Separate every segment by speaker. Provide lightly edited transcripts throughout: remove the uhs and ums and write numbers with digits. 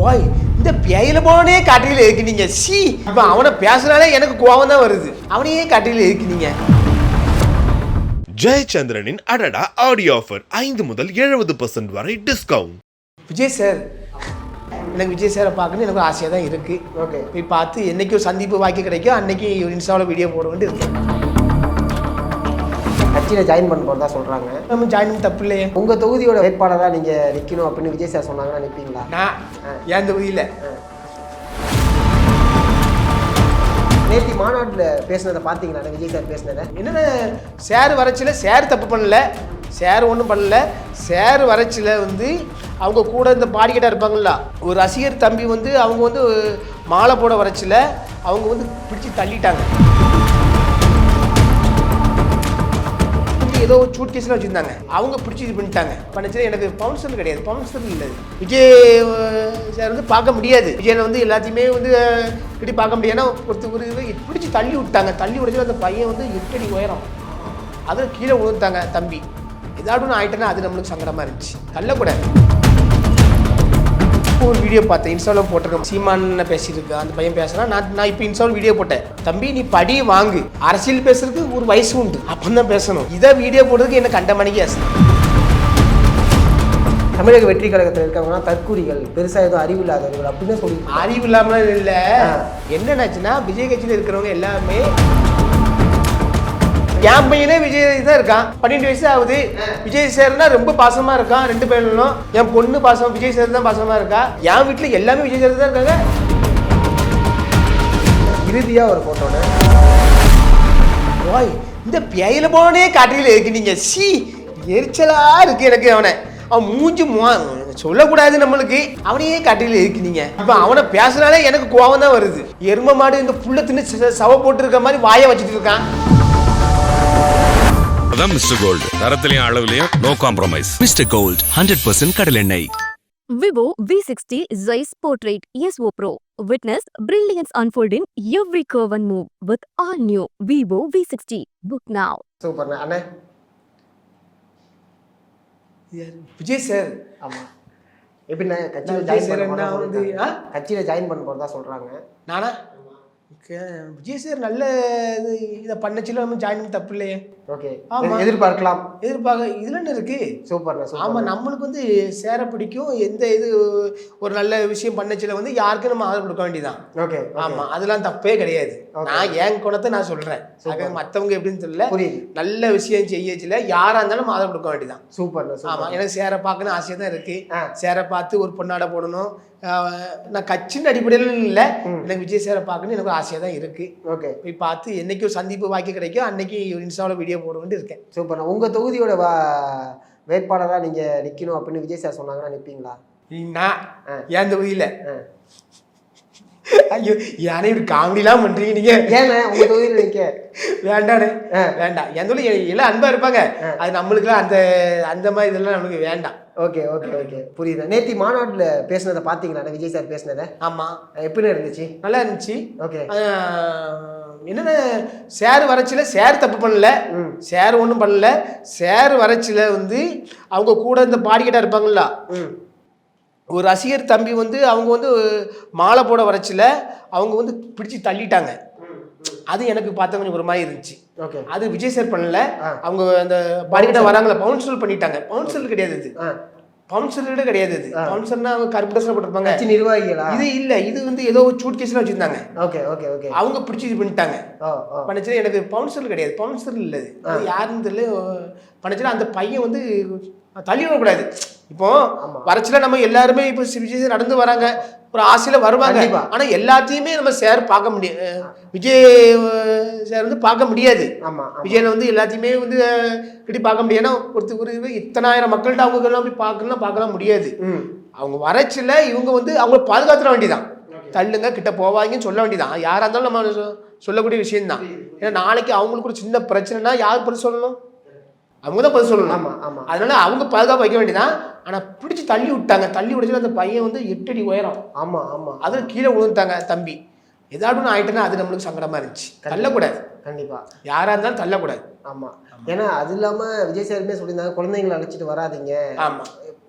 Speaker 1: ஓய் இந்த பேயில போனே காட்டில இருக்கீங்க. சி இப்போ அவனை பேசுனாலே எனக்கு கோவம் தான் வருது. அவனையே காட்டில இருக்கீங்க.
Speaker 2: ஜெயச்சந்திரனின் அடடா ஆடியோ ஆஃபர் 5 முதல் 70% வரை டிஸ்கவுண்ட்.
Speaker 1: விஜய் சார், எனக்கு விஜய் சாரை பார்க்கணும் எனக்கு ஆசையாக தான் இருக்குது. ஓகே, போய் பார்த்து என்றைக்கு ஒரு சந்திப்பு வாக்கி கிடைக்கும் அன்றைக்கி இன்ஸ்டாவில் வீடியோ போட வேண்டி இருக்கேன்.
Speaker 3: கட்சியில் ஜாயின் பண்ண போகிறதா சொல்கிறாங்க.
Speaker 1: நம்ம ஜாயின் பண்ண தப்பு இல்லையே.
Speaker 3: உங்கள் தொகுதியோட வேட்பாளராக நீங்கள் நிற்கணும் அப்படின்னு விஜய் சார் சொன்னாங்கன்னா நிற்பீங்களா?
Speaker 1: நான் என் தொகுதியில்
Speaker 3: நேற்று மாநாட்டில் பேசுனதை பார்த்தீங்களா? விஜய் சார் பேசுனதை
Speaker 1: என்னென்ன சேர் வரைச்சில் சேர் தப்பு பண்ணல, சேர் ஒன்றும் பண்ணல. சேர் வரைச்சில் வந்து அவங்க கூட இந்த பாடிக்கிட்டாக இருப்பாங்களா, ஒரு ரசிகர் தம்பி வந்து அவங்க வந்து மாலை போட வரைச்சில் அவங்க வந்து பிடிச்சி தள்ளிட்டாங்க. ஏதோ ஒரு சூட் கேஸ்லாம் வச்சுருந்தாங்க, அவங்க பிடிச்சி இது பண்ணிட்டாங்க. பண்ணிச்சு எனக்கு பவுன்சர் கிடையாது, பவுன்சர் இல்லை. விஜய் சார் வந்து பார்க்க முடியாது, விஜயனை வந்து எல்லாத்தையுமே வந்து இப்படி பார்க்க முடியாதுன்னா ஒரு பிடிச்சி தள்ளி விட்டாங்க. தள்ளி விடுச்சு அந்த பையன் வந்து 8 அடி உயரம், அதில் கீழே விழுந்துட்டாங்க தம்பி. ஏதாவது ஒன்று ஆகிட்டேன்னா அது நம்மளுக்கு சங்கடமாக இருந்துச்சு. தள்ளக்கூடாது. ஒரு வீடியோ பார்த்தேன், இன்ஸ்டாவில் போட்டிருக்கேன். சீமான்னு பேசியிருக்கேன், அந்த பையன் பேசுனா நான் இப்போ இன்ஸ்டாவில் வீடியோ போட்டேன். தம்பி நீ படி வாங்கு, அரசியல் பேசுறதுக்கு ஒரு வயசு உண்டு, அப்போ தான் பேசணும். இதை வீடியோ போடுறதுக்கு என்ன கண்ட மணிக்கு ஆசை.
Speaker 3: தமிழக வெற்றி கழகத்தில் இருக்கவங்கன்னா தற்கூரிகள், பெருசாக எதுவும் அறிவு இல்லாதவர்கள் அப்படின்னு சொல்லி.
Speaker 1: அறிவு இல்லாமல் இல்லை, என்னென்னாச்சுன்னா விஜய் கட்சியில் இருக்கிறவங்க எல்லாமே என் பையனே விஜய் தான் இருக்கான், 12 வயசு ஆகுது. விஜய் சார்னா ரொம்ப பாசமாக இருக்கான் 2 பேரும். என் பொண்ணு பாசம் விஜய் சார் தான் பாசமாக இருக்கா. என் வீட்டில் எல்லாமே விஜய் சார் தான் இருக்காங்க.
Speaker 3: இறுதியாக ஒரு போட்டோன்னு
Speaker 1: ஓய் இந்த பேயில போனே காட்டில இருக்கீங்க. சி எரிச்சலாக இருக்குது எனக்கு. அவன் மூஞ்சி சொல்லக்கூடாது நம்மளுக்கு, அவனையே காட்டில இருக்கீங்க. இப்போ அவனை பேசுனாலே எனக்கு கோவம் தான் வருது. எரும மாடு இந்த புள்ள தின்னு சவ போட்டு இருக்க மாதிரி வாயை வச்சுட்டு இருக்கான்.
Speaker 4: அதான் மிஸ்டர் கோல்டு, தரத்திலையும் அளவுலையும் நோ காம்ப்ரமைஸ்.
Speaker 5: மிஸ்டர் கோல்ட் 100% கடல் எண்ணெய்.
Speaker 6: Vivo V60 Zeiss Portrait ESO Pro. Witness brilliance unfold in every curve and move with all new Vivo V60. Book now.
Speaker 3: சூப்பர்ண்ணா அண்ணே.
Speaker 1: விஜய் சார்.
Speaker 3: ஆமாம், எப்படிண்ணா கட்சியில் ஜாயின் பண்ண போகிறதா சொல்கிறாங்க.
Speaker 1: நானா விஜய் சார் நல்ல இதை பண்ணச்சில நம்ம ஜாயின் பண்ண தப்பு இல்லையே.
Speaker 3: ஓகே, எதிர்பார்க்கலாம்.
Speaker 1: இதுல என்ன இருக்கு.
Speaker 3: சூப்பர்ண்ணா.
Speaker 1: ஆமாம், நம்மளுக்கு வந்து சேர பிடிக்கும். எந்த இது ஒரு நல்ல விஷயம் பண்ணச்சில வந்து யாருக்கும் நம்ம ஆதரவு கொடுக்க வேண்டியதான். ஓகே, ஆமாம், அதெல்லாம் தப்பே கிடையாது. நான் என் குணத்தை நான் சொல்கிறேன், மற்றவங்க எப்படின்னு தெரியல. நல்ல விஷயம் செய்யச்சில யாராக இருந்தாலும் நம்ம ஆதரவு கொடுக்க வேண்டியதான்.
Speaker 3: சூப்பர்ண்ணா.
Speaker 1: ஆமாம், எனக்கு சேர பார்க்கணும் ஆசையாக தான் இருக்குது. சேர பார்த்து ஒரு பொண்ணாட போடணும். நான் கட்சியின் அடிப்படையில் இல்லை, எனக்கு விஜய் சாரை பார்க்கணும் எனக்கு ஆசையாக தான் இருக்குது. ஓகே, போய் பார்த்து என்றைக்கு ஒரு சந்திப்பு வாக்கி கிடைக்கும் அன்றைக்கி இன்ஸ்டாவில் வீடியோ போட வேண்டி இருக்கேன்.
Speaker 3: சூப்பர்ண்ணா. உங்கள் தொகுதியோட வேட்பாளராக நீங்கள் நிற்கணும் அப்படின்னு விஜய் சார் சொன்னாங்கன்னா நிற்பீங்களா?
Speaker 1: நான் என் தொகுதியில் ஐயோ யானே இப்படி காமெடிலாம் பண்ணுறீங்க நீங்கள்.
Speaker 3: ஏன்னா உங்கள் தொகுதியில் நிற்க
Speaker 1: வேண்டானே, வேண்டாம். என் தொழில் எல்லாம் அன்பாக இருப்பாங்க, அது நம்மளுக்குலாம் அந்த மாதிரி இதெல்லாம் நம்மளுக்கு வேண்டாம்.
Speaker 3: ஓகே ஓகே ஓகே, புரியுது. நேற்று மாநாட்டில் பேசுனதை பார்த்தீங்களா? விஜய் சார் பேசுனதை.
Speaker 1: ஆமாம்,
Speaker 3: எப்படி இருந்துச்சு?
Speaker 1: நல்லா இருந்துச்சு.
Speaker 3: ஓகே,
Speaker 1: என்னென்ன சேர் வரைச்சில் சேர் தப்பு பண்ணல, சேர் ஒன்றும் பண்ணல. சேர் வரைச்சில் வந்து அவங்க கூட இந்த பாடிக்கிட்டாக இருப்பாங்களா, ஒரு ரசிகர் தம்பி வந்து அவங்க வந்து மாலை போட வரைச்சில் அவங்க வந்து பிடிச்சி தள்ளிட்டாங்க. அது எனக்கு பார்த்த கொஞ்சம் ஒரு மாதிரி இருந்துச்சு. ஓகே, அது விஜய் சார் பண்ணல. அவங்க அந்த பாடிக்கிட்ட வராங்களா பவுன்சர் பண்ணிட்டாங்க. பவுன்சர் கிடையாது இது, பவுன்சர் கிடையாது இது. பவுன்சர்னா அவங்க கருப்பு ட்ரெஸ்ல போட்டிருப்பாங்க,
Speaker 3: நிர்வாகிகளா? இது
Speaker 1: இல்லை, இது வந்து ஏதோ ஒரு சூட் கேஸ்லாம் வச்சுருந்தாங்க.
Speaker 3: ஓகே ஓகே ஓகே, அவங்க
Speaker 1: பிடிச்சி இது பண்ணிட்டாங்க. பண்ணிச்சு எனக்கு பவுன்சர் கிடையாது, பவுன்சர் இல்லை. அது யாருன்னு தெரியல. பண்ணிச்சுன்னா அந்த பையன் வந்து தள்ளி விடக்கூடாது. இப்போ வரைச்சில நம்ம எல்லாருமே இப்போ விஜய் நடந்து வராங்க, ஒரு ஆசையில் வருவாங்க. ஆனால் எல்லாத்தையுமே நம்ம சார் பார்க்க முடியாது, விஜய் சார் வந்து பார்க்க முடியாது. விஜயனை வந்து எல்லாத்தையுமே வந்து இப்படி பார்க்க முடியாதுன்னா ஒரு இத்தனாயிரம் மக்கள்கிட்ட அவங்க எல்லாம் போய் பார்க்கலாம் முடியாது. அவங்க வரைச்சில இவங்க வந்து அவங்கள பாதுகாத்துட வேண்டியதான். தள்ளுங்க கிட்ட போவாங்கன்னு சொல்ல வேண்டியதான். யாராக இருந்தாலும் நம்ம சொல்லக்கூடிய விஷயம்தான். ஏன்னா நாளைக்கு அவங்களுக்கு ஒரு சின்ன பிரச்சனைனா யார் பதில் சொல்லணும்? அவங்க தான் பதில் சொல்லணும். ஆமாம் ஆமாம், அதனால அவங்க பாதுகாப்பு வைக்க வேண்டியதான். ஆனால் பிடிச்சி தள்ளி விட்டாங்க. தள்ளி விடுச்சு அந்த பையன் வந்து 8 அடி உயரம். ஆமாம் ஆமாம், அதில் கீழே விழுந்துட்டாங்க தம்பி. ஏதாவது ஒன்று ஆகிட்டேன்னா அது நம்மளுக்கு சங்கடமாக இருந்துச்சு. தள்ளக்கூடாது, கண்டிப்பாக யாராக இருந்தாலும் தள்ளக்கூடாது.
Speaker 3: ஆமாம், ஏன்னா அது இல்லாமல் விஜய் சாருமே சொல்லியிருந்தாங்க, குழந்தைங்களை அழைச்சிட்டு வராதிங்க.
Speaker 1: ஆமாம்,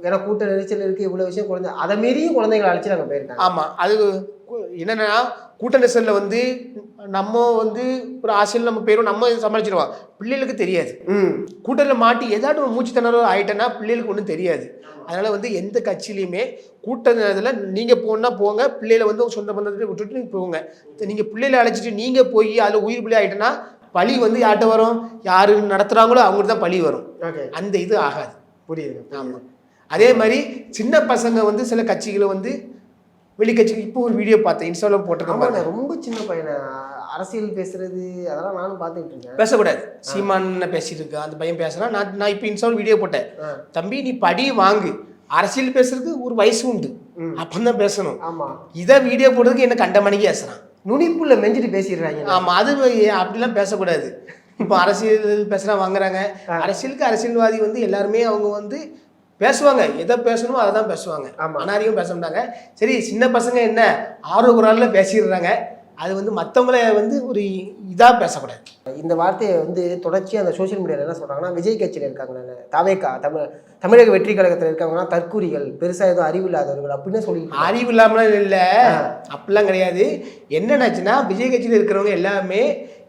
Speaker 3: ஏன்னா கூட்ட நெரிச்சல் இருக்குது, இவ்வளோ விஷயம் குழந்தை அதை மீறியும் குழந்தைங்களை அழைச்சி நாங்கள் போயிருக்காங்க.
Speaker 1: ஆமாம், அது என்னென்னா கூட்ட நெரிசலில் வந்து நம்ம வந்து ஒரு ஆசையில் நம்ம போயிடும், நம்ம சமாளிச்சிடுவோம், பிள்ளைகளுக்கு தெரியாது. கூட்டத்தில் மாட்டி ஏதாட்டும் மூச்சு திணறல் ஆகிட்டேன்னா பிள்ளைகளுக்கு ஒன்றும் தெரியாது. அதனால் வந்து எந்த கட்சியிலையுமே கூட்டத்தில் நீங்கள் போனால் போங்க, பிள்ளைகளை வந்து சொந்த பந்தத்தை விட்டுட்டு போங்க. நீங்கள் பிள்ளைகளை அழைச்சிட்டு நீங்கள் போய் அதில் உயிர் பிள்ளை ஆகிட்டேன்னா பழி வந்து யார்கிட்ட வரும், யார் நடத்துகிறாங்களோ அவங்களுக்கு தான் பழி வரும். அந்த இது ஆகாது.
Speaker 3: புரியுது.
Speaker 1: ஆமாம். அதே மாதிரி சின்ன பசங்க வந்து சில கட்சிகளை வந்து வெளிக்கட்சிகள் இப்போ ஒரு வீடியோ பார்த்தேன், இன்ஸ்டாவில் போட்டிருக்காங்க.
Speaker 3: ரொம்ப சின்ன பையனை அரசியல் பேசுறது அதெல்லாம் நானும் பார்த்துக்கிட்டு இருக்கேன்.
Speaker 1: பேசக்கூடாது, சீமான் பேசிட்டு இருக்கேன் அந்த பையன் பேசுகிறான். நான் இப்போ இன்ஸ்டாவில் வீடியோ போட்டேன், தம்பி நீ படி வாங்கு, அரசியல் பேசுறதுக்கு ஒரு வயசு உண்டு, அப்பந்தான் பேசணும்.
Speaker 3: ஆமாம்,
Speaker 1: இதை வீடியோ போடுறதுக்கு என்ன கண்ட மணிக்கு பேசுகிறான்,
Speaker 3: நுனிப்புள்ள மெஞ்சிட்டு பேசிடுறாங்க.
Speaker 1: ஆமாம், அது அப்படிலாம் பேசக்கூடாது. இப்போ அரசியல் பேசுகிறா வாங்குறாங்க. அரசியலுக்கு அரசியல்வாதி வந்து எல்லாருமே அவங்க வந்து பேசுவாங்க, எதை பேசணுமோ அதை தான் பேசுவாங்க, அனாரியும் பேச மாட்டாங்க. சரி, சின்ன பசங்க என்ன ஆர்வக்குறாலில் பேசிடுறாங்க, அது வந்து மற்றவங்கள வந்து ஒரு இதாக பேசக்கூடாது.
Speaker 3: இந்த வார்த்தையை வந்து தொடர்ச்சியாக அந்த சோஷியல் மீடியாவில் என்ன சொல்கிறாங்கன்னா, விஜய் கட்சியில் இருக்காங்க, தாவேக்கா தமிழக வெற்றி கழகத்தில் இருக்காங்கன்னா தற்கூரிகள், பெருசாக எதுவும் அறிவு இல்லாதவர்கள் அப்படின்னு சொல்லி.
Speaker 1: அறிவு இல்லாமலாம் இல்லை, அப்படிலாம் கிடையாது. என்னென்னாச்சுன்னா விஜய் கட்சியில் இருக்கிறவங்க எல்லாமே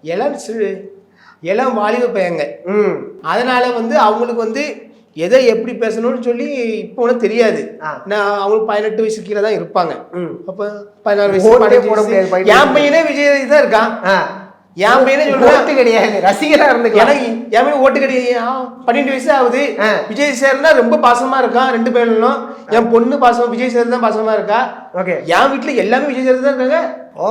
Speaker 1: இளம் வாலிப பையங்க. அதனால வந்து அவங்களுக்கு வந்து எதை எப்படி பேசணும்னு சொல்லி இப்போ ஒன்றும் தெரியாது. நான் அவங்களுக்கு 18 வயசு கீழே தான் இருப்பாங்க. அப்போ 16 வயசு என் பையனே விஜய் தான் இருக்கான். என் பையனே சொல்றேன்
Speaker 3: கிடையாது, ரசிகராக இருந்து
Speaker 1: எனக்கு என் பையன் ஓட்டு கிடையாது. 12 வயசு ஆகுது. விஜய் சேர்னா ரொம்ப பாசமா இருக்கான், 2 பேரும். என் பொண்ணு பாசம் விஜய் சேர் தான் பாசமா இருக்கா. என் வீட்டுல எல்லாமே விஜய் சேர் தான் இருக்காங்க.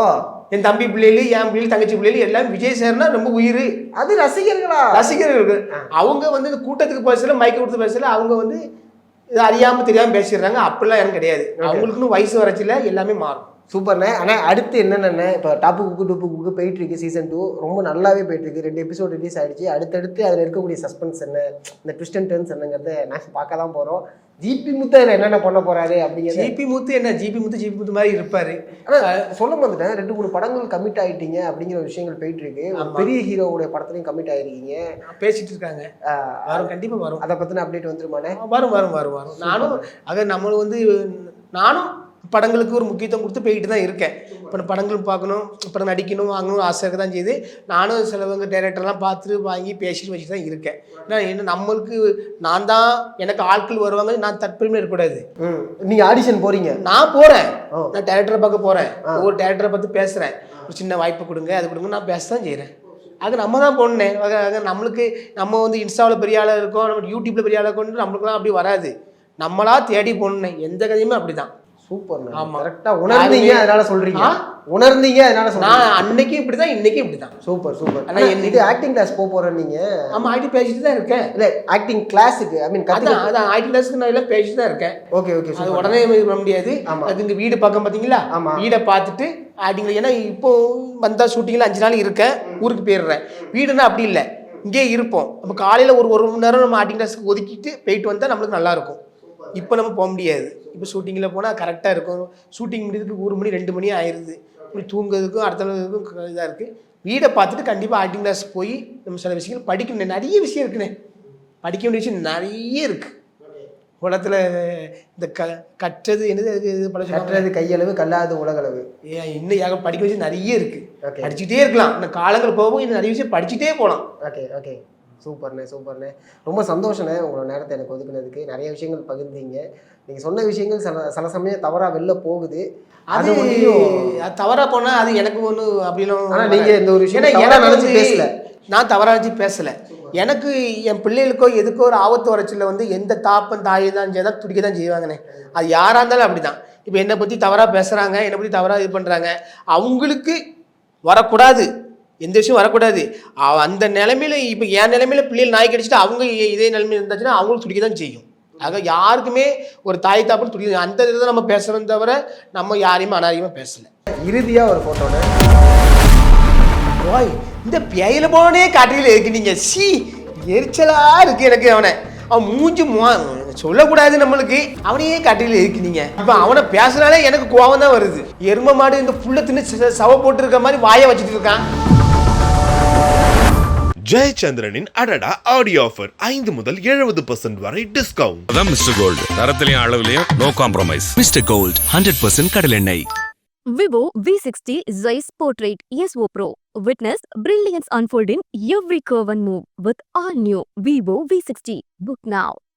Speaker 1: என் தம்பி பிள்ளைகள், என் பிள்ளைகள், தங்கச்சி பிள்ளைகள் எல்லாம் விஜய் சேர்னா ரொம்ப உயிர்.
Speaker 3: அது
Speaker 1: ரசிகர்கள். அவங்க வந்து இந்த கூட்டத்துக்கு பேசல, மைக்க கொடுத்து பேசல, அவங்க வந்து இது அறியாம தெரியாம பேசிடுறாங்க. அப்படிலாம் எனக்கு கிடையாது. அவங்களுக்குன்னு வயசு வரச்சில எல்லாமே மாறும்.
Speaker 3: சூப்பர்ண்ணே. ஆனால் அடுத்து என்னென்ன இப்போ டாப்பு குக்கு போயிட்டு இருக்கு, சீசன் 2 ரொம்ப நல்லாவே போயிட்டு இருக்கு. 2 எபிசோட் ரிலீஸ் ஆயிடுச்சு. அடுத்தடுத்து அதில் இருக்கக்கூடிய சஸ்பென்ஸ் என்ன, இந்த ட்விஸ்ட் அண்ட் டர்ன்ஸ் என்னங்கிறத நாங்கள் பார்க்க தான் போகிறோம். ஜிபி முத்து அதில் என்னென்ன பண்ண போறாரு அப்படிங்கிறது.
Speaker 1: ஜிபி முத்து என்ன, ஜிபி முத்து மாதிரி இருப்பாரு.
Speaker 3: ஆனால் சொல்ல வந்துட்டேன், 2-3 படங்கள் கமிட் ஆகிட்டீங்க அப்படிங்கிற விஷயங்கள் போயிட்டு இருக்கு. பெரிய ஹீரோவுடைய படத்துலையும் கமிட் ஆகிருக்கீங்க,
Speaker 1: பேசிட்டு இருக்காங்க. வரும், கண்டிப்பாக வரும்.
Speaker 3: அதை பற்றின அப்டேட் வந்துருமானே?
Speaker 1: வரும். நானும் வந்து நானும் படங்களுக்கு ஒரு முக்கியத்துவம் கொடுத்து போய்கிட்டு தான் இருக்கேன். இப்போ படங்கள் பார்க்கணும், படம் நடிக்கணும், வாங்கணும் ஆசை இருக்க தான் செய்யுது. நானும் சிலவங்க டைரக்டர்லாம் பார்த்துட்டு வாங்கி பேசிட்டு வச்சுட்டு தான் இருக்கேன். ஏன்னா என்ன நம்மளுக்கு நான் தான் எனக்கு ஆட்கள் வருவாங்க, நான் தற்பெருமை இருக்கக்கூடாது.
Speaker 3: நீங்கள் ஆடிஷன் போகிறீங்க?
Speaker 1: நான் போகிறேன், நான் டைரக்டரை பார்க்க போகிறேன், ஒவ்வொரு டைரக்டரை பார்த்து பேசுகிறேன், ஒரு சின்ன வாய்ப்பு கொடுங்க, அது கொடுங்க, நான் பேச தான் செய்கிறேன். அது நம்ம தான் போனேன். நம்மளுக்கு நம்ம வந்து இன்ஸ்டாவில் பெரிய ஆளாக இருக்கோம், நம்ம யூடியூப்பில் பெரிய ஆளாக கொண்டு நம்மளுக்குலாம் அப்படி வராது. நம்மளா தேடி போனேன். எந்த கதையுமே அப்படி தான்.
Speaker 3: சூப்பர். ஆமா, கரெக்டா உணர்ந்தீங்க, அதனால சொல்றீங்க. உணர்ந்தீங்க, அதனால சொல்றீங்க.
Speaker 1: நான் அன்னைக்கு இப்படிதான், இன்னைக்கு இப்படிதான்.
Speaker 3: சூப்பர். ஆனா இது ஆக்டிங் கிளாஸ் போறேன் நீங்க?
Speaker 1: ஆமா, ஆக்டிங் பேசிட்டு தான் இருக்கேன்.
Speaker 3: இல்ல ஆக்டிங் கிளாஸுக்கு ஐ மீன்
Speaker 1: அதான் ஆக்டிங் கிளாஸ்க்கு நான் எல்லாம் பேசிட்டு தான் இருக்கேன்.
Speaker 3: ஓகே.
Speaker 1: அது உடனே பண்ண முடியாது. அது இந்த வீடு பக்கம் பாத்தீங்களா, வீடை பார்த்துட்டு ஆக்டிங்ல, ஏன்னா இப்போ வந்தா ஷூட்டிங்ல 5 நாள் இருக்கேன், ஊருக்கு போயிடுறேன். வீடுன்னா அப்படி இல்லை, இங்கே இருப்போம். அப்போ காலையில ஒரு மணி நேரம் நம்ம ஆக்டிங் கிளாஸ்க்கு ஒதுக்கிட்டு போயிட்டு வந்தா நம்மளுக்கு நல்லா இருக்கும். இப்போ நம்ம போக முடியாது. இப்போ ஷூட்டிங்கில் போனால் கரெக்டாக இருக்கும். ஷூட்டிங் முடியறதுக்கு 1 மணி 2 மணி ஆயிடுது. இப்படி தூங்குறதுக்கும் அடுத்த நாளுக்கும் இதாக இருக்குது. வீடை பார்த்துட்டு கண்டிப்பாக ஆக்டிங் கிளாஸ் போய் நம்ம சில விஷயங்கள் படிக்கணும். நிறைய விஷயம் இருக்குண்ணே, படிக்க வேண்டிய விஷயம் நிறைய இருக்குது உலகத்தில். இந்த கற்றது என்னது
Speaker 3: கற்றது கையளவு கல்லாது உலகளவு.
Speaker 1: இன்னும் படிக்க விஷயம் நிறைய இருக்குது, படிச்சுட்டே இருக்கலாம். இந்த காலங்கள் போகவும் இன்னும் நிறைய விஷயம் படிச்சுட்டே போகலாம்.
Speaker 3: ஓகே. சூப்பர்ண்ணே. ரொம்ப சந்தோஷண்ணே உங்களோட நேரத்தை எனக்கு ஒதுக்குனதுக்கு. நிறைய விஷயங்கள் பகிர்ந்தீங்க. நீங்கள் சொன்ன விஷயங்கள் சில சமயம் தவறாக வெளில போகுது. அது
Speaker 1: தவறாக போனால் அது எனக்கு ஒன்று அப்படின்னு.
Speaker 3: ஆனால் நீங்கள் இந்த ஒரு விஷயம் நினச்சி பேசல,
Speaker 1: நான் தவறாக நினச்சி பேசலை. எனக்கு என் பிள்ளைகளுக்கோ எதுக்கோ ஒரு ஆபத்து வரச்சில் வந்து எந்த தாப்பன் தாயை தான் செய்தால் துடிக்க தான் செய்வாங்கண்ணே. அது யாராக இருந்தாலும் அப்படி தான். இப்போ என்னை பற்றி தவறாக பேசுகிறாங்க, என்னை பற்றி தவறாக இது பண்ணுறாங்க, அவங்களுக்கு வரக்கூடாது, எந்த விஷயம் வரக்கூடாது. அந்த நிலைமையில இப்போ என் நிலைமையில பிள்ளைகள் நாய் கடிச்சிட்டு அவங்க இதே நிலைமையில் இருந்தாச்சுன்னா அவங்களுக்கு துடிக்க தான் செய்யும். ஆக யாருக்குமே ஒரு தாய் தாப்புன்னு துடிக்க, அந்த இதை நம்ம பேசுகிறோம் தவிர நம்ம யாரையுமே அனாரியமாக பேசலை.
Speaker 3: இறுதியாக ஒரு ஃபோட்டோன்னு
Speaker 1: ஓய், இந்த பேயில போனே காட்டியில் இருக்கு. நீங்கள் எரிச்சலாக இருக்குது எனக்கு. அவன் மூஞ்சி சொல்லக்கூடாது நம்மளுக்கு, அவனையே காட்டியில் இருக்கு. நீங்கள் இப்போ அவனை பேசுனாலே எனக்கு கோவம் தான் வருது. எரும மாடு இந்த புள்ள தின்னு சவ போட்டு இருக்க மாதிரி வாயை வச்சுட்டு இருக்கான்.
Speaker 2: ஜெயச்சந்திரனின் அடடா ஆடியோ ஆஃபர் 5 முதல் 70% வரை டிஸ்கவுண்ட்.
Speaker 4: அதான் மிஸ்டர் கோல்டு, தரத்திலையும் அளவுலையும் நோ காம்ப்ரமைஸ்.
Speaker 5: மிஸ்டர் கோல்ட் 100% கடலெண்ணெய்.
Speaker 6: Vivo V60 Zeiss Portrait ESO Pro. Witness brilliance unfold in every curve and move with all new Vivo V60. Book now.